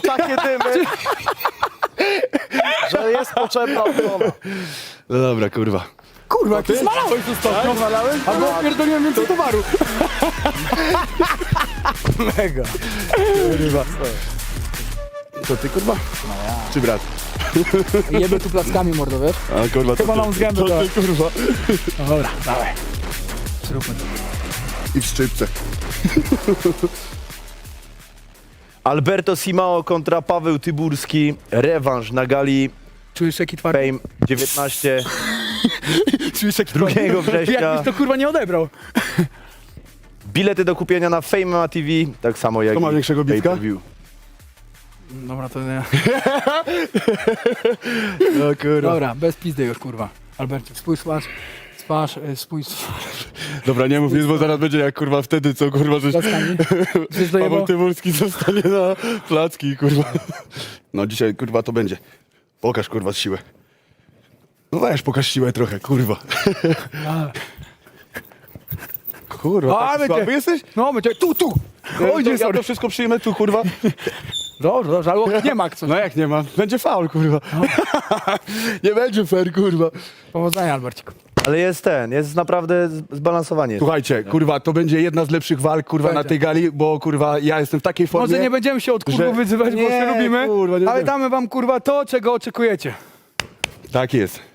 takie dymy, że jest potrzebna ochrona. No dobra, kurwa. Kurwa, jak ty zmalałeś ostatnio. Zmalałeś? Albo pierdoliłem więcej towaru. Mega. Kurwa. To ty, kurwa? No ja. Czy brat? Jebę tu plackami, mordo, wiesz? A kurwa, Chyba to nam z gęby to ty, kurwa. No dobra, dawaj. Zróbmy to. I w szczypce. Alberto Simao kontra Paweł Tyburski. Rewanż na gali Czujesz jaki twardy? Fame 19. Czujesz jaki 2 twardy? września. Jakbyś to kurwa nie odebrał. Bilety do kupienia na Fame MMA TV, tak samo jak Kto ma i większego bitka? pay-per-view. Dobra, to nie. No kurwa. Dobra, bez pizdy już, kurwa. Albercie, spójrz spójrz Dobra, nie mów nic, bo zaraz będzie jak kurwa wtedy, co kurwa, żeś... plackami. Żeś Paweł dojebał? Tyburski zostanie na placki, kurwa. No dzisiaj, kurwa, to będzie. Pokaż, kurwa, siłę. No weź, pokaż siłę trochę, kurwa. Kurwa, A, taki będzie. słaby jesteś? No, my cię, tu! Ja Oj, to, nie, ja sorry. to wszystko przyjmę tu, kurwa. Dobrze, ale nie ma co. No jak nie ma? Będzie faul, kurwa. Nie będzie fair, kurwa. Powodzenia, Alberciku. Ale jest naprawdę zbalansowanie. Słuchajcie, kurwa, to będzie jedna z lepszych walk, kurwa, na Będzie. tej gali, bo, kurwa, ja jestem w takiej formie... Może nie będziemy się od kurwa że- wyzywać, bo Nie, się lubimy, kurwa, nie ale będziemy. damy wam kurwa to, czego oczekujecie. Tak jest.